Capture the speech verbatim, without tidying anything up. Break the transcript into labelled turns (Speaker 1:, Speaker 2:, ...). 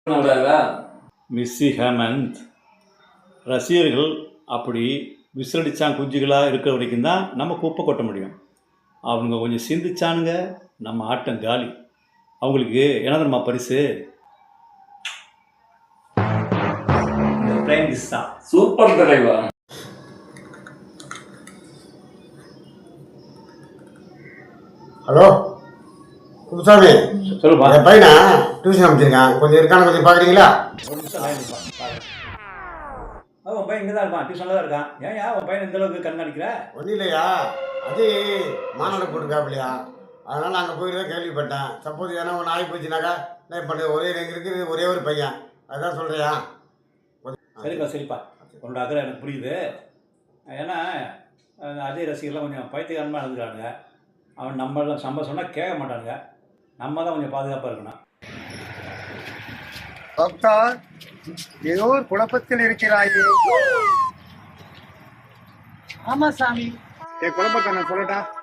Speaker 1: மிஸ்ஸி ஹேமந்த் ரசிகர்கள் அப்படி விசிலடிச்சான் குஞ்சுகளாக இருக்கிற வரைக்கும் தான் நம்ம குப்பை கொட்ட முடியும். அவங்க கொஞ்சம் சிந்திச்சானுங்க, நம்ம ஆட்டம் காலி. அவங்களுக்கு என்ன தெரியுமா பரிசு? பிரைம் மினிஸ்டர் தான்.
Speaker 2: சூப்பர் தலைவா.
Speaker 3: ஹலோ குப்புசாமி,
Speaker 1: சொல்லுப்பா.
Speaker 3: என் பையனா டியூஷன் அமைச்சிருக்கேன், கொஞ்சம் இருக்கான்னு கொஞ்சம் பார்க்குறீங்களா?
Speaker 1: ஒரு நிமிஷம் லைன் இருப்பான். உன் பையன் இங்கே தான் இருப்பான், டியூஷனில் தான் இருக்கான். ஏன் யா உன் பையன் இந்த அளவுக்கு கண்காணிக்கிற?
Speaker 3: ஒன்றும் இல்லையா, அது மாநாடு போட்டுருக்காப்பிலையா, அதனால் அங்கே போய் தான் கேள்விப்பட்டேன். சப்போஸ் ஏன்னா ஒன்று ஆகி போச்சுனாக்கா என்ன பண்ணுறது? ஒரே எங்கே இருக்குது, ஒரே ஒரு பையன், அதுதான் சொல்கிறியா?
Speaker 1: சரிப்பா சரிப்பா, உன்னோட அக்கறை எனக்கு புரியுது. ஏன்னா அஜய் ரசிகர்லாம் கொஞ்சம் பைத்தியகாரமாக இருந்துக்கிறானுங்க. அவன் நம்மளாம் நம்ம சொன்னால் கேட்க மாட்டானுங்க. நம்ம தான் கொஞ்சம் பாதுகாப்பாக இருக்கணும்.
Speaker 4: டாக்டர், ஏதோ ஒரு குழப்பத்தில் இருக்கிறாயே.
Speaker 5: ஆமா சாமி,
Speaker 4: என் குழப்பத்தை நான் சொல்லட்டா?